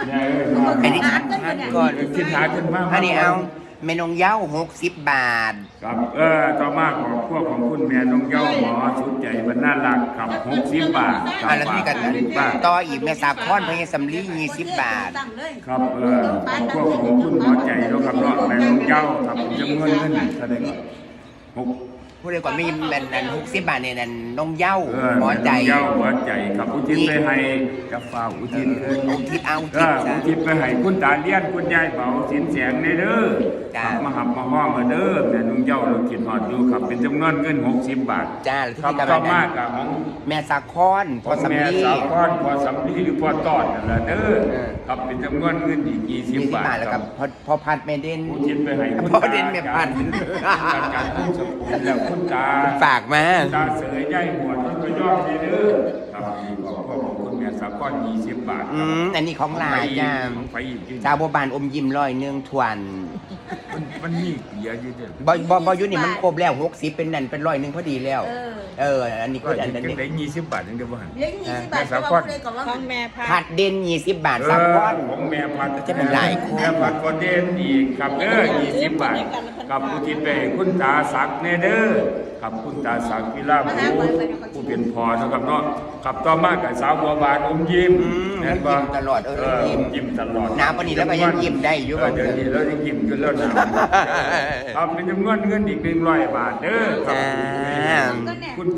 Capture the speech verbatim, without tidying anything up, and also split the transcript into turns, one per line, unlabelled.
อันนี้ทานก่อน
คิดหาขึ้นมาก
อันนี้เอาเมนงเย้าหกสิบบาท
ครับเออต่อมาของพวกของคุณแม่น้องเย้าหมอสุดใจบรรณารักครับหกสิบบาท
อ่าแล้วที่กัน
บาท
ต่ออีกแม่สาคอนพญสำลียี่สิบบาท
ครับเออของพวกของคุณหมอใจแล้วครับเนาะแม่น้องเย้าครับจำนวนเงินแสดงหก
พูดเลยกว่ามีแมนนันหกสิบบาทเนี่ยนันนงเย้า
เออ
หมอใจ
เย้าหมอใจครับอุทิศไปให้กาฟ้าอุทิศ
อุทิศเอาอุ
เอ
ทิศ
อ
ซะ
อุทิศไปให้คุณตาเลี้ยนคุณยายเบาสินแสงในเด้อ
จ้า
ครับมาหับมาห้องมาเด้อแม่น้องเย้าเราคิดหอดอยู่ครับเป็นจำนวนเงินหกสิบบาท
จ้าแล้ว
ครับ
ที่กัน
ต่อ
นั้
มาน กับของ
แม่สาคอนพอสำ
แม่
ลี
สาวก้อนพอสำลีหรือพอตอดนั่นแหละเด้อ
เออ
ครับเป็นจำนวนเงินอีกยี่สิบ
ยี่สิบบ
าท
บาทแล้ว
ค
ค
รั
รั
บบ
พอพอพัดแม่เด่น
ผู้ชินไปให้คุณ
พอเด่นแม่พัน
การการคุณสกุลแล้วคุณตา
ฝากมา
ตาเสยใหญ่หัวต้นกระยอดนี่เด้อครับขอบพ่อของคุณแม่สาวก้อนยี่สิบบาท
อืมอันนี้ของหลานจ้า
ของไปอีกอยู่
ชาวบัวบานอมยิ้มร้อยหนึ่งทวน
มันมันมีเยอะอยู่เด้อ
บอบอบอยุนี่มันครบแล้วหกสิบเป็นนั่นเป็นร้อยหนึ่งพอดีแล้ว เออ อันนี้
ก็
ก็
จะ
อัน
จั
นี้
งได้ยี่สิบบาทนึงเด้อบ่หั่น
เลี้ยงยี่สิบบาทก็ว่าเลยกับว่า
ของแม่พา
ผัดเด่นยี่สิบบาท
เอ
สาม
อ
ก้อน
ของแม่พัด
จะเป็นหลายคน
แม่พัดก็เด่นอีกครับเด้อยี่สิบบาทกับผู้ที่ไปคุณตาศักดิ์แน่เด้อกับคุณตาศักดิ์พิลาภูผู้เป็นพ่อนะครับเนาะกับต่อมากับสาวบัวบานอมยิ้ม
อืม
แม่นบ่
ยิ้มตลอดเออยิ้ม
ยิ้มตลอด
หนาวปานนี้แล้วก็ยังยิ้มได้อยู่
เเดี๋ยวนี้เรายังยิ้มกันแล้วนะครับเป็นจำนวนเงินอีกหนึ่งร้อยบาทเด้อครับ
จ้า
คุณ